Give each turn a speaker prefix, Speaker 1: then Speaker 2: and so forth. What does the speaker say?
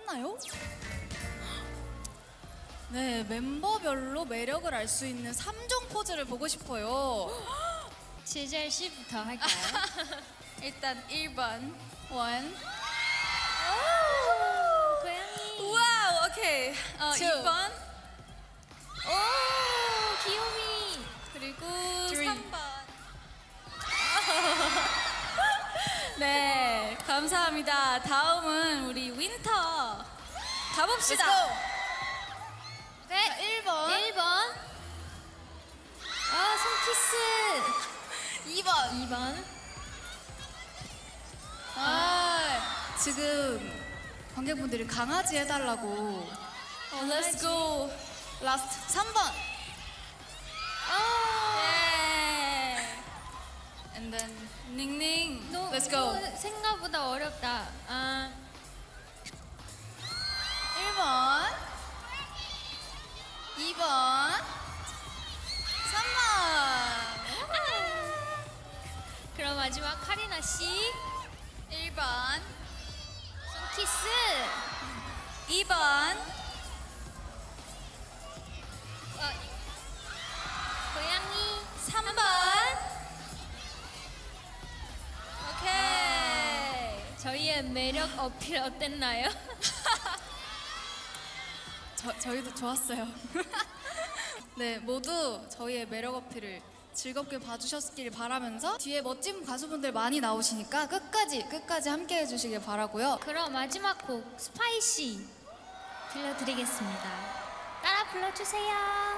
Speaker 1: 끝났나요? 네, member별로 매력을 알 수 있는 3종 포즈를 보고 싶어요.
Speaker 2: 제잘 씨부터 할까요?
Speaker 1: 일단 1번 원.
Speaker 2: 고양이.
Speaker 1: 와우, 오케이. 2번
Speaker 2: 오, 귀요미.
Speaker 1: 그리고
Speaker 2: Three.
Speaker 1: 3번. 네, 감사합니다. 다음은 우리 윈터 가봅시다.
Speaker 2: 네,
Speaker 1: 1번.
Speaker 2: 1번. 아, 손키스.
Speaker 1: 2번.
Speaker 2: 2번.
Speaker 1: 지금 관객분들이 강아지 해달라고. Let's go. Last 3번. 예. And then 닝닝. Let's go.
Speaker 2: 생각보다 어렵다.
Speaker 1: 1번. 2번. 3번.
Speaker 2: 그럼 마지막 카리나 씨.
Speaker 1: 1번.
Speaker 2: 손키스.
Speaker 1: 2번.
Speaker 2: 고양이.
Speaker 1: 3번. 오케이.
Speaker 2: 저희의 매력 어필 어땠나요?
Speaker 1: 저희도 좋았어요. 네, 모두 저희의 매력 어필을 즐겁게 봐주셨길 바라면서 뒤에 멋진 가수분들 많이 나오시니까 끝까지 함께 해주시길 바라고요.
Speaker 2: 그럼 마지막 곡 스파이시 들려드리겠습니다. 따라 불러주세요.